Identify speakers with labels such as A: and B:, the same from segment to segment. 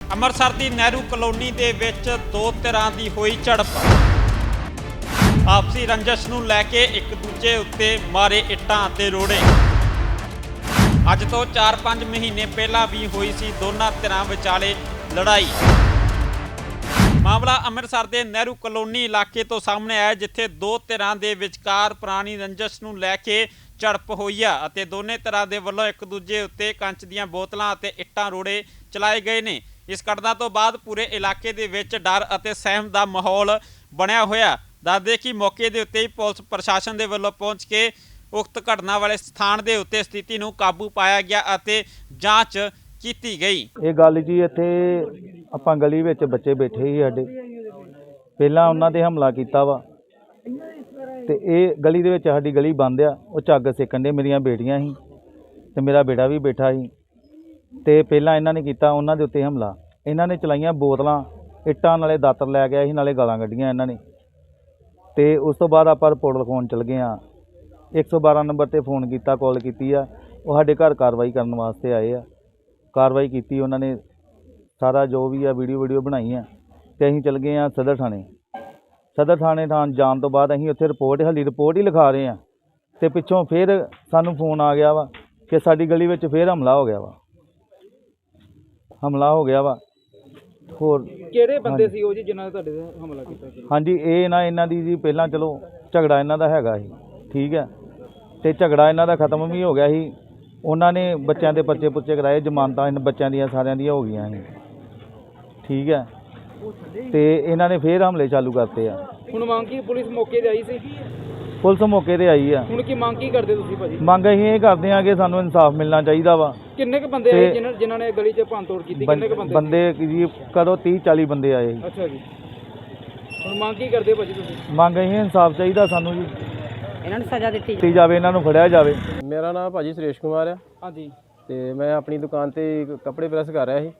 A: ਅੰਮ੍ਰਿਤਸਰ ਦੀ Nehru colony ਦੇ ਵਿੱਚ ਦੋ ਧਿਰਾਂ ਦੀ ਹੋਈ ਝੜਪ। ਆਪਸੀ ਰੰਜਿਸ਼ ਨੂੰ ਲੈ ਕੇ ਇੱਕ ਦੂਜੇ ਉੱਤੇ ਮਾਰੇ ਇੱਟਾਂ ਅਤੇ ਰੋੜੇ। ਅੱਜ ਤੋਂ 4-5 ਮਹੀਨੇ ਪਹਿਲਾਂ ਵੀ ਹੋਈ ਸੀ ਦੋਨਾਂ ਧਿਰਾਂ ਵਿਚਾਲੇ ਲੜਾਈ। ਮਾਮਲਾ ਅੰਮ੍ਰਿਤਸਰ ਦੇ ਨਹਿਰੂ ਕਲੋਨੀ ਇਲਾਕੇ ਤੋਂ ਸਾਹਮਣੇ ਆਇਆ, ਜਿੱਥੇ ਦੋ ਧਿਰਾਂ ਦੇ ਵਿਚਕਾਰ ਪੁਰਾਣੀ ਰੰਜਿਸ਼ ਨੂੰ ਲੈ ਕੇ ਝੜਪ ਹੋਈ ਆ ਅਤੇ ਦੋਨੇ ਧਿਰਾਂ ਦੇ ਵੱਲੋਂ ਇੱਕ ਦੂਜੇ ਉੱਤੇ ਕੰਚ ਦੀਆਂ ਬੋਤਲਾਂ ਅਤੇ ਇੱਟਾਂ ਰੋੜੇ ਚਲਾਏ ਗਏ ਨੇ। ਇਸ ਘਟਨਾ ਤੋਂ ਬਾਅਦ ਪੂਰੇ ਇਲਾਕੇ ਦੇ ਵਿੱਚ ਡਰ ਅਤੇ ਸਹਿਮ ਦਾ ਮਾਹੌਲ ਬਣਿਆ ਹੋਇਆ। ਦੱਸਦੇ ਕਿ ਮੌਕੇ ਦੇ ਉੱਤੇ ਹੀ ਪੁਲਿਸ ਪ੍ਰਸ਼ਾਸਨ ਦੇ ਵੱਲੋਂ ਪਹੁੰਚ ਕੇ ਉਕਤ ਘਟਨਾ ਵਾਲੇ ਸਥਾਨ ਦੇ ਉੱਤੇ ਸਥਿਤੀ ਨੂੰ ਕਾਬੂ ਪਾਇਆ ਗਿਆ ਅਤੇ ਜਾਂਚ ਕੀਤੀ ਗਈ।
B: ਇਹ ਗੱਲ ਜੀ ਇੱਥੇ ਆਪਾਂ ਗਲੀ ਵਿੱਚ ਬੱਚੇ ਬੈਠੇ ਸੀ ਸਾਡੇ, ਪਹਿਲਾਂ ਉਹਨਾਂ ਤੇ ਹਮਲਾ ਕੀਤਾ ਵਾ ਤੇ ਇਹ ਗਲੀ ਦੇ ਵਿੱਚ ਸਾਡੀ ਗਲੀ ਬੰਦ ਆ। ਉਹ ਝੱਗ ਸੇਕਣ ਦੇ ਮੇਰੀਆਂ ਬੇਟੀਆਂ ਸੀ ਤੇ ਮੇਰਾ ਬੇਟਾ ਵੀ ਬੈਠਾ ਸੀ ਤੇ ਪਹਿਲਾਂ ਇਹਨਾਂ ਨੇ ਕੀਤਾ ਉਹਨਾਂ ਦੇ ਉੱਤੇ ਹਮਲਾ। ਇਹਨਾਂ ਨੇ ਚਲਾਈਆਂ ਬੋਤਲਾਂ, ਇੱਟਾਂ, ਨਾਲੇ ਦਾਤਰ ਲੈ ਗਿਆ ਸੀ, ਨਾਲੇ ਗਾਲਾਂ ਕੱਢੀਆਂ ਇਹਨਾਂ ਨੇ। ਤੇ ਉਸ ਤੋਂ ਬਾਅਦ ਆਪਾਂ ਰਿਪੋਰਟ ਲਿਖਾਉਣ ਚਲ ਗਏ ਆ। 112 ਨੰਬਰ ਤੇ ਫੋਨ ਕੀਤਾ, ਕਾਲ ਕੀਤੀ ਆ। ਉਹ ਸਾਡੇ ਘਰ ਕਾਰਵਾਈ ਕਰਨ ਵਾਸਤੇ ਆਏ ਆ। ਕਾਰਵਾਈ ਕੀਤੀ ਉਹਨਾਂ ਨੇ, ਸਾਰਾ ਜੋ ਵੀ ਆ ਵੀਡੀਓ ਬਣਾਈ ਆ ਤੇ ਅਸੀਂ ਚਲ ਗਏ ਆ ਸਦਰ ਥਾਣੇ ਜਾਣ ਤੋਂ ਬਾਅਦ ਅਸੀਂ ਉੱਥੇ ਰਿਪੋਰਟ ਹੀ ਲਿਖਾ ਰਹੇ ਆ ਤੇ ਪਿੱਛੋਂ ਫਿਰ ਸਾਨੂੰ ਫੋਨ ਆ ਗਿਆ ਵਾ ਕਿ ਸਾਡੀ ਗਲੀ ਵਿੱਚ ਫਿਰ ਹਮਲਾ ਹੋ ਗਿਆ ਵਾ। ਹੋਰ
C: ਕਿਹੜੇ ਬੰਦੇ ਸੀ ਉਹ ਜੀ ਜਿਨ੍ਹਾਂ ਨੇ ਤੁਹਾਡੇ ਤੇ ਹਮਲਾ ਕੀਤਾ ਸੀ?
B: ਹਾਂਜੀ, ਇਹਨਾਂ ਦੀ ਜੀ ਪਹਿਲਾਂ ਚਲੋ ਝਗੜਾ ਇਹਨਾਂ ਦਾ ਹੈਗਾ ਸੀ, ਠੀਕ ਹੈ, ਤੇ ਝਗੜਾ ਇਹਨਾਂ ਦਾ ਖਤਮ ਵੀ ਹੋ ਗਿਆ ਸੀ। ਉਹਨਾਂ ਨੇ ਬੱਚਿਆਂ ਦੇ ਪਰਚੇ ਪੁਰਚੇ ਕਰਾਏ, ਜ਼ਮਾਨਤਾਂ ਇਹਨਾਂ ਬੱਚਿਆਂ ਦੀਆਂ ਸਾਰਿਆਂ ਦੀਆਂ ਹੋ ਗਈਆਂ ਸੀ, ਠੀਕ ਹੈ, ਤੇ ਇਹਨਾਂ ਨੇ ਫੇਰ ਹਮਲੇ ਚਾਲੂ ਕਰਤੇ ਆ।
C: ਹੁਣ ਮੰਗ ਕੀ, ਪੁਲਿਸ ਮੌਕੇ ਤੇ ਆਈ ਸੀ?
B: ਪੁਲਿਸ ਮੌਕੇ ਤੇ ਆਈ ਆ।
C: ਹੁਣ ਕੀ ਮੰਗ ਕੀ ਕਰਦੇ ਤੁਸੀਂ ਭਾਜੀ?
B: ਮੰਗ ਅਸੀਂ ਇਹ ਕਰਦੇ ਆ ਕਿ ਸਾਨੂੰ ਇਨਸਾਫ ਮਿਲਣਾ ਚਾਹੀਦਾ ਵਾ।
C: ਕਿੰਨੇ ਕ ਬੰਦੇ ਆਏ ਜਿਨ੍ਹਾਂ ਨੇ ਗਲੀ 'ਚ ਭੰਨਤੋੜ ਕੀਤੀ? ਕਿੰਨੇ ਕ
B: ਬੰਦੇ ਜੀ ਕਦੋਂ 30-40 ਬੰਦੇ ਆਏ।
C: ਅੱਛਾ ਜੀ, ਹੁਣ ਮੰਗ ਕੀ ਕਰਦੇ ਭਾਜੀ ਤੁਸੀਂ?
B: ਮੰਗ ਅਸੀਂ ਇਨਸਾਫ ਚਾਹੀਦਾ ਸਾਨੂੰ ਜੀ,
C: ਇਹਨਾਂ ਨੂੰ ਸਜ਼ਾ ਦਿੱਤੀ
B: ਜਾਵੇ, ਇਹਨਾਂ ਨੂੰ ਫੜਿਆ ਜਾਵੇ।
D: ਮੇਰਾ ਨਾਮ ਭਾਜੀ ਸੁਰੇਸ਼ ਕੁਮਾਰ ਆ।
C: ਹਾਂਜੀ,
D: ਤੇ ਮੈਂ ਆਪਣੀ ਦੁਕਾਨ ਤੇ ਕੱਪੜੇ ਪ੍ਰੈਸ ਕਰ ਰਿਹਾ ਸੀ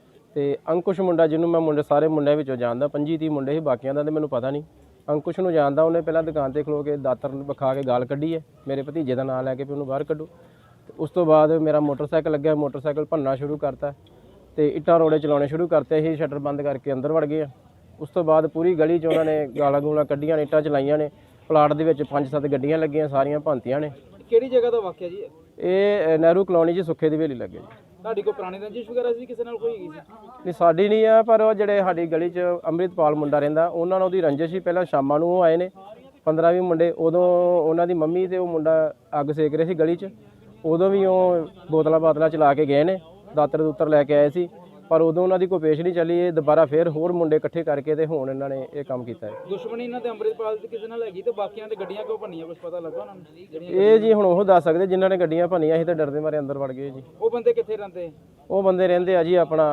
D: ਤੇ ਅੰਕੁਸ਼ ਮੁੰਡਾ, ਜਿਹਨੂੰ ਮੈਂ ਸਾਰੇ ਮੁੰਡਿਆਂ ਵਿੱਚੋਂ ਜਾਣਦਾ, 25-30 ਮੁੰਡੇ ਸੀ, ਬਾਕੀਆਂ ਦਾ ਤੇ ਮੈਨੂੰ ਪਤਾ ਨਹੀਂ। ਅੰਕੁਸ਼ ਨੂੰ ਜਾਣਦਾ, ਉਹਨੇ ਪਹਿਲਾਂ ਦੁਕਾਨ ਤੇ ਖਲੋ ਕੇ ਦਾਤਰ ਵਿਖਾ ਕੇ ਗਾਲ ਕੱਢੀ ਹੈ ਮੇਰੇ ਭਤੀਜੇ ਦਾ ਨਾਂ ਲੈ ਕੇ ਵੀ ਉਹਨੂੰ ਬਾਹਰ ਕੱਢੋ। ਤੇ ਉਸ ਤੋਂ ਬਾਅਦ ਮੇਰਾ ਮੋਟਰਸਾਈਕਲ ਲੱਗਿਆ, ਮੋਟਰਸਾਈਕਲ ਭੰਨਣਾ ਸ਼ੁਰੂ ਕਰਤਾ ਤੇ ਇੱਟਾਂ ਰੋੜੇ ਚਲਾਉਣੇ ਸ਼ੁਰੂ ਕਰਤੇ। ਅਸੀਂ ਸ਼ਟਰ ਬੰਦ ਕਰਕੇ ਅੰਦਰ ਵੜ ਗਏ ਆ। ਉਸ ਤੋਂ ਬਾਅਦ ਪੂਰੀ ਗਲੀ 'ਚ ਉਹਨਾਂ ਨੇ ਗਾਲਾਂ ਗੂਲਾਂ ਕੱਢੀਆਂ ਨੇ, ਇੱਟਾਂ ਚਲਾਈਆਂ ਨੇ। ਪਲਾਟ ਦੇ ਵਿੱਚ 5-7 ਗੱਡੀਆਂ ਲੱਗੀਆਂ, ਸਾਰੀਆਂ ਭੰਨਤੀਆਂ ਨੇ।
C: ਕਿਹੜੀ ਜਗ੍ਹਾ ਦਾ ਵਾਕਿਆ ਜੀ?
D: ਇਹ ਨਹਿਰੂ ਕਲੋਨੀ 'ਚ ਸੁੱਖੇ ਦੀ ਹਵੇਲੀ ਲੱਗੇ ਜੀ।
C: ਤੁਹਾਡੀ ਕੋਈ ਪੁਰਾਣੀ ਰੰਜਿਸ਼ ਵਗੈਰਾ ਸੀ ਕਿਸੇ ਨਾਲ ਕੋਈ ਹੈਗੀ ਸੀ?
D: ਨਹੀਂ, ਸਾਡੀ ਨਹੀਂ ਆ, ਪਰ ਉਹ ਜਿਹੜੇ ਸਾਡੀ ਗਲੀ 'ਚ ਅੰਮ੍ਰਿਤਪਾਲ ਮੁੰਡਾ ਰਹਿੰਦਾ, ਉਹਨਾਂ ਨਾਲ ਉਹਦੀ ਰੰਜਿਸ਼ ਸੀ। ਪਹਿਲਾਂ ਸ਼ਾਮਾਂ ਨੂੰ ਉਹ ਆਏ ਨੇ 15-20 ਮੁੰਡੇ, ਉਦੋਂ ਉਹਨਾਂ ਦੀ ਮੰਮੀ ਤੇ ਉਹ ਮੁੰਡਾ ਅੱਗ ਸੇਕ ਰਹੇ ਸੀ ਗਲੀ 'ਚ। ਉਦੋਂ ਵੀ ਉਹ ਬੋਤਲਾਂ ਚਲਾ ਕੇ ਗਏ ਨੇ, ਦਾਤਰ ਲੈ ਕੇ ਆਏ ਸੀ, ਪਰ ਉਦੋਂ ਉਹਨਾਂ ਦੀ ਕੋਈ ਪੇਸ਼ ਨਹੀਂ ਚੱਲੀ। ਇਹ ਦੁਬਾਰਾ ਫਿਰ ਹੋਰ ਮੁੰਡੇ ਇਕੱਠੇ ਕਰਕੇ ਤੇ ਹੁਣ ਇਹਨਾਂ ਨੇ ਇਹ ਕੰਮ ਕੀਤਾ ਹੈ।
C: ਦੁਸ਼ਮਣੀ ਇਹਨਾਂ ਤੇ ਅੰਮ੍ਰਿਤਪਾਲ ਦੀ ਕਿਸੇ ਨਾਲ ਹੈਗੀ ਤੇ ਬਾਕੀਆਂ ਤੇ ਗੱਡੀਆਂ ਕਿਉਂ ਭੰਨੀਆਂ, ਕੁਝ ਪਤਾ ਲੱਗਾ ਉਹਨਾਂ ਨੂੰ?
D: ਇਹ ਜੀ ਹੁਣ ਉਹ ਦੱਸ ਸਕਦੇ ਜਿਨ੍ਹਾਂ ਨੇ ਗੱਡੀਆਂ ਭੰਨੀਆਂ ਸੀ ਤੇ ਡਰਦੇ ਮਾਰੇ ਅੰਦਰ ਵੜ ਗਏ ਜੀ।
C: ਉਹ ਬੰਦੇ ਕਿੱਥੇ ਰਹਿੰਦੇ?
D: ਉਹ ਬੰਦੇ ਰਹਿੰਦੇ ਆ ਜੀ ਆਪਣਾ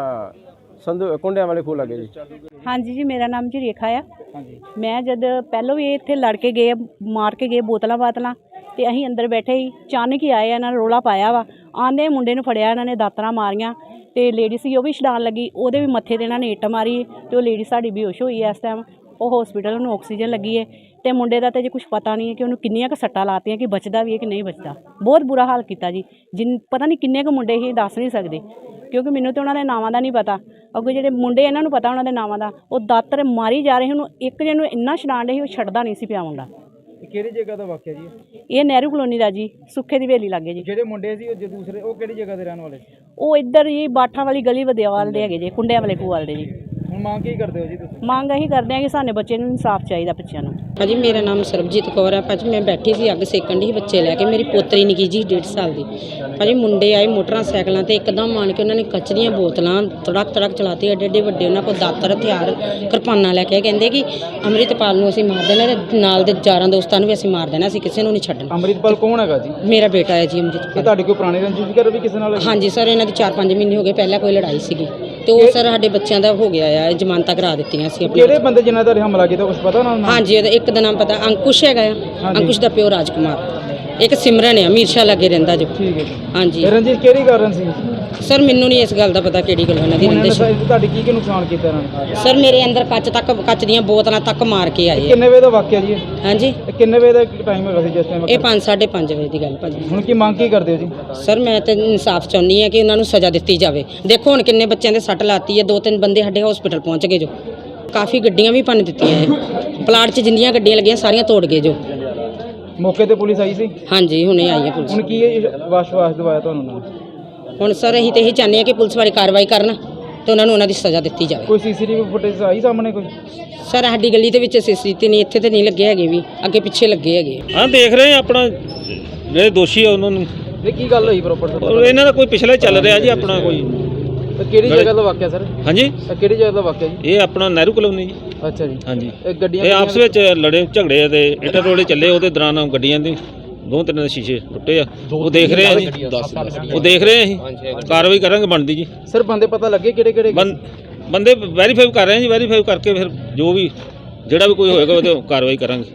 D: ਸੰਧੂ ਕੁੰਡਿਆਂ ਵਾਲੇ ਖੂਹ ਲੱਗੇ ਜੀ।
E: ਹਾਂਜੀ ਜੀ, ਮੇਰਾ ਨਾਮ ਜੀ ਰੇਖਾ ਆ।
C: ਹਾਂਜੀ,
E: ਮੈਂ ਜਦ ਪਹਿਲੋਂ ਵੀ ਇੱਥੇ ਲੜ ਕੇ ਗਏ, ਮਾਰ ਕੇ ਗਏ ਬੋਤਲਾਂ ਤੇ ਅਸੀਂ ਅੰਦਰ ਬੈਠੇ ਹੀ ਅਚਾਨਕ ਹੀ ਆਏ, ਇਹਨਾਂ ਨੇ ਰੋਲਾ ਪਾਇਆ ਵਾ। ਆਂਦੇ ਮੁੰਡੇ ਨੂੰ ਫੜਿਆ, ਇਹਨਾਂ ਨੇ ਦਾਤਰਾਂ ਮਾਰੀਆਂ ਤੇ ਲੇਡੀ ਸੀ ਉਹ ਵੀ ਛਡਾਣ ਲੱਗੀ, ਉਹਦੇ ਵੀ ਮੱਥੇ ਤੇ ਇਹਨਾਂ ਨੇ ਇੱਟ ਮਾਰੀ ਤੇ ਉਹ ਲੇਡੀ ਸਾਡੀ ਬੇਹੋਸ਼ ਹੋਈ ਐ ਇਸ ਟਾਈਮ। ਉਹ ਹਸਪੀਟਲ ਨੂੰ ਆਕਸੀਜਨ ਲੱਗੀ ਹੈ ਤੇ ਮੁੰਡੇ ਦਾ ਤਾਂ ਜੇ ਕੁਝ ਪਤਾ ਨਹੀਂ ਹੈ ਕਿ ਉਹਨੂੰ ਕਿੰਨੀਆਂ ਕੁ ਸੱਟਾਂ ਲਾਤੀਆਂ, ਕਿ ਬਚਦਾ ਵੀ ਹੈ ਕਿ ਨਹੀਂ ਬਚਦਾ। ਬਹੁਤ ਬੁਰਾ ਹਾਲ ਕੀਤਾ ਜੀ। ਪਤਾ ਨਹੀਂ ਕਿੰਨੇ ਕੁ ਮੁੰਡੇ ਹੀ ਦੱਸ ਨਹੀਂ ਸਕਦੇ, ਕਿਉਂਕਿ ਮੈਨੂੰ ਤਾਂ ਉਹਨਾਂ ਦੇ ਨਾਵਾਂ ਦਾ ਨਹੀਂ ਪਤਾ। ਅੱਗੇ ਜਿਹੜੇ ਮੁੰਡੇ ਇਹਨਾਂ ਨੂੰ ਪਤਾ ਉਹਨਾਂ ਦੇ ਨਾਵਾਂ ਦਾ। ਉਹ ਦਾਤਰ ਮਾਰੀ ਜਾ ਰਹੇ, ਉਹਨੂੰ ਇੱਕ ਜਣ ਨੂੰ ਇੰਨਾ ਛਡਾਣ ਰਹੇ ਸੀ, ਉਹ ਛੱਡਦਾ ਨਹੀਂ ਸੀ ਪਿਆ ਮੁੰਡਾ।
C: ਕਿਹੜੀ ਜਗ੍ਹਾ ਦਾ ਵਾਕਿਆ ਜੀ?
E: ਇਹ ਨਹਿਰੂ ਕਲੋਨੀ ਦਾ ਜੀ, ਸੁੱਖੇ ਦੀ ਹਵੇਲੀ ਲੱਗੇ ਜੀ।
C: ਜਿਹੜੇ ਮੁੰਡੇ ਸੀ ਉਹ ਦੂਸਰੇ, ਉਹ ਕਿਹੜੀ ਜਗ੍ਹਾ ਦੇ ਰਹਿਣ ਵਾਲੇ ਸੀ?
E: ਉਹ ਇੱਧਰ ਜੀ ਬਾਠਾਂ ਵਾਲੀ ਗਲੀ ਵਦਿਆਵਾਲ ਦੇ ਹੈਗੇ ਜੀ, ਕੁੰਡਿਆਂ ਵਾਲੇ ਖੂਹ ਦੇ ਜੀ।
C: ਹੁਣ ਮੰਗ ਕੀ ਕਰਦੇ ਹੋ ਜੀ ਤੁਸੀਂ?
E: ਮੰਗ ਇਹੀ ਕਰਦੇ ਆ ਕਿ ਸਾਡੇ ਬੱਚੇ ਨੂੰ ਇਨਸਾਫ ਚਾਹੀਦਾ, ਬੱਚਿਆਂ ਨੂੰ।
F: ਭਾਜੀ ਮੇਰਾ ਨਾਮ ਸਰਬਜੀਤ ਕੌਰ ਹੈ। ਭਾਜੀ ਮੈਂ ਬੈਠੀ ਸੀ, ਅੱਗ ਸੇਕਣ ਦੀ ਬੱਚੇ ਲੈ ਕੇ। ਮੇਰੀ ਪੋਤਰੀ ਨਿੱਕੀ ਜੀ 1.5 ਸਾਲ ਦੀ। ਭਾਜੀ ਮੁੰਡੇ ਆਏ ਮੋਟਰਸਾਈਕਲਾਂ ਤੇ, ਇੱਕਦਮ ਆਣ ਕੇ ਉਹਨਾਂ ਨੇ ਕੱਚ ਦੀਆਂ ਬੋਤਲਾਂ ਤੜਕ ਚਲਾਤੀ, ਐਡੇ ਵੱਡੇ ਉਹਨਾਂ ਕੋਲ ਦਾਤਰ, ਹਥਿਆਰ, ਕਿਰਪਾਨਾਂ ਲੈ ਕੇ। ਕਹਿੰਦੇ ਕਿ ਅੰਮ੍ਰਿਤਪਾਲ ਨੂੰ ਅਸੀਂ ਮਾਰ ਦੇਣਾ ਤੇ ਨਾਲ ਦੇ ਯਾਰਾਂ ਦੋਸਤਾਂ ਨੂੰ ਵੀ ਅਸੀਂ ਮਾਰ ਦੇਣਾ, ਅਸੀਂ ਕਿਸੇ ਨੂੰ ਨਹੀਂ ਛੱਡਣਾ।
C: ਅੰਮ੍ਰਿਤਪਾਲ ਕੌਣ ਹੈਗਾ ਜੀ?
F: ਮੇਰਾ ਬੇਟਾ ਹੈ ਜੀ ਅੰਮ੍ਰਿਤਪਾਲ।
C: ਤੁਹਾਡੀ ਕੋਈ ਪੁਰਾਣੀ ਰੰਜਿਸ਼ ਵਗੈਰਾ ਵੀ ਕਿਸੇ ਨਾਲ?
F: ਹਾਂਜੀ ਸਰ, ਇਹਨਾਂ ਦੀ 4-5 ਮਹੀਨੇ ਹੋ ਗਏ, ਪਹਿਲਾਂ ਕੋਈ ਲੜਾਈ ਸੀਗੀ ਤੇ ਉਹ ਸਰ ਸਾਡੇ ਬੱਚਿਆਂ ਦਾ ਹੋ ਗਿਆ ਆ, ਜ਼ਮਾਨਤਾਂ ਕਰਾ ਦਿੱਤੀਆਂ ਸੀ ਆਪਣੀ।
C: ਕਿਹੜੇ ਬੰਦੇ ਜਿਨ੍ਹਾਂ ਦਾ ਹਮਲਾ ਕੀਤਾ ਕੁਝ ਪਤਾ ਉਹਨਾਂ ਨੂੰ?
F: ਹਾਂਜੀ, ਇੱਕ ਦਾ ਨਾਮ ਪਤਾ, ਅੰਕੁਸ਼ ਹੈਗਾ ਆ। ਅੰਕੁਸ਼ ਦਾ ਪਿਓ ਰਾਜਕੁਮਾਰ, ਇੱਕ ਸਿਮਰਨ ਆ ਮੀਰਸ਼ਾ ਲੱਗੇ ਰਹਿੰਦਾ ਜੋ।
C: ਠੀਕ ਹੈ ਜੀ।
F: ਹਾਂਜੀ
C: ਰੰਜਿਸ਼ ਕਿਹੜੀ ਕਾਰਨ ਸੀ?
F: ਸਰ ਮੈਨੂੰ ਨਹੀਂ ਇਸ ਗੱਲ ਦਾ ਪਤਾ ਕਿਹੜੀ ਗੱਲ ਉਹਨਾਂ ਦੀ
C: ਉਹਨਾਂ ਨੇ
F: ਰੰਜਿਸ਼।
C: ਤੁਹਾਡੀ ਕੀ ਨੁਕਸਾਨ ਕੀਤਾ ਇਹਨਾਂ ਨੇ?
F: ਸਰ ਮੇਰੇ ਅੰਦਰ ਕੱਚ ਦੀਆਂ ਬੋਤਲਾਂ ਤੱਕ ਮਾਰ ਕੇ ਆਏ ਆ।
C: ਕਿੰਨੇ ਵਜੇ ਦਾ ਵਾਕਿਆ ਜੀ ਇਹ?
F: ਹਾਂਜੀ
C: ਇਹ ਕਿੰਨੇ ਵਜੇ ਦਾ ਟਾਈਮ ਹੈਗਾ ਸੀ ਜਿਸ ਟਾਈਮ?
F: ਇਹ 5:30 ਵਜੇ ਦੀ ਗੱਲ ਭਾਜੀ।
C: ਹੁਣ ਕੀ ਮੰਗ ਕੀ ਕਰਦੇ ਹੋ ਜੀ?
F: ਸਰ ਮੈਂ ਤੇ ਇਨਸਾਫ ਚਾਹੁੰਦੀ ਹਾਂ ਕਿ ਉਹਨਾਂ ਨੂੰ ਸਜ਼ਾ ਦਿੱਤੀ ਜਾਵੇ। ਦੇਖੋ ਹੁਣ ਕਿੰਨੇ ਬੱਚਿਆਂ ਦੇ ਸੱਟ ਲਾਤੀ ਹੈ, 2-3 ਬੰਦੇ ਸਾਡੇ ਹਸਪੀਟਲ ਪਹੁੰਚ ਗਏ ਜੋ। ਕਾਫੀ ਗੱਡੀਆਂ ਵੀ ਭੰਨ ਦਿੱਤੀਆਂ ਹੈ, ਪਲਾਟ 'ਚ ਜਿੰਨੀਆਂ ਗੱਡੀਆਂ ਲੱਗੀਆਂ ਸਾਰੀਆਂ ਤੋੜ ਗਏ ਜੋ।
C: ਮੌਕੇ ਤੇ ਪੁਲਿਸ ਆਈ ਸੀ?
F: ਹਾਂਜੀ ਹੁਣੇ ਆਈ ਹੈ ਪੁਲਿਸ।
C: ਹੁਣ ਕੀ ਵਿਸ਼ਵਾਸ ਦਿਵਾਇਆ ਤੁਹਾਨੂੰ ਉਹਨਾਂ ਨੇ?
F: ਹੁਣ ਸਰ ਅਸੀਂ ਤੇ ਇਹੀ ਚਾਹੁੰਦੇ ਹਾਂ ਕਿ ਪੁਲਿਸ ਵਾਲੀ ਕਾਰਵਾਈ ਕਰਨ ਤੇ ਉਹਨਾਂ ਨੂੰ ਉਹਨਾਂ ਦੀ ਸਜ਼ਾ ਦਿੱਤੀ ਜਾਵੇ।
C: ਕੋਈ ਸੀਸੀਟੀਵੀ ਫੁਟੇਜ ਆਈ ਸਾਹਮਣੇ ਕੋਈ?
F: ਸਰ ਸਾਡੀ ਗਲੀ ਦੇ ਵਿੱਚ ਸੀਸੀਟੀਵੀ ਨਹੀਂ, ਇੱਥੇ ਤੇ ਨਹੀਂ ਲੱਗੇ ਹੈਗੇ, ਵੀ ਅੱਗੇ ਪਿੱਛੇ ਲੱਗੇ ਹੈਗੇ।
G: ਹਾਂ ਦੇਖ ਰਹੇ ਆ ਆਪਣਾ ਜਿਹੜੇ ਦੋਸ਼ੀ ਆ ਉਹਨਾਂ ਨੂੰ।
C: ਇਹ ਕੀ ਗੱਲ ਹੋਈ ਪ੍ਰੋਪਰ?
G: ਔਰ ਇਹਨਾਂ ਦਾ ਕੋਈ ਪਿਛਲਾ ਚੱਲ ਰਿਹਾ ਜੀ ਆਪਣਾ ਕੋਈ।
C: ਕਿਹੜੀ ਜਗ੍ਹਾ ਦਾ ਵਾਕਿਆ ਸਰ?
G: ਹਾਂਜੀ
C: ਇਹ ਕਿਹੜੀ ਜਗ੍ਹਾ ਦਾ ਵਾਕਿਆ ਜੀ?
G: ਇਹ ਆਪਣਾ ਨਹਿਰੂ ਕਲੋਨੀ ਜੀ।
C: ਅੱਛਾ ਜੀ।
G: ਹਾਂਜੀ
C: ਇਹ ਗੱਡੀਆਂ
G: ਇਹ ਆਪਸ ਵਿੱਚ ਲੜੇ ਝਗੜੇ ਤੇ ਇੱਟਾਂ ਰੋੜੇ ਚੱਲੇ, ਉਹਦੇ ਦੌਰਾਨ ਗੱਡੀਆਂ ਦੇ 2-3 ਦੇ ਸ਼ੀਸ਼ੇ ਟੁੱਟੇ ਆ। ਉਹ ਦੇਖ ਰਹੇ ਆ ਜੀ, ਉਹ ਦੇਖ ਰਹੇ ਆ ਅਸੀਂ ਕਾਰਵਾਈ ਕਰਾਂਗੇ ਬਣਦੀ ਜੀ।
C: ਸਰ ਬੰਦੇ ਪਤਾ ਲੱਗੇ ਕਿਹੜੇ ਕਿਹੜੇ?
G: ਬੰਦੇ ਵੈਰੀਫਾਈ ਕਰ ਰਹੇ ਆ ਜੀ, ਵੈਰੀਫਾਈ ਕਰਕੇ ਫਿਰ ਜੋ ਵੀ ਜਿਹੜਾ ਵੀ ਕੋਈ ਹੋਏਗਾ ਉਹਦੇ ਕਾਰਵਾਈ ਕਰਾਂਗੇ।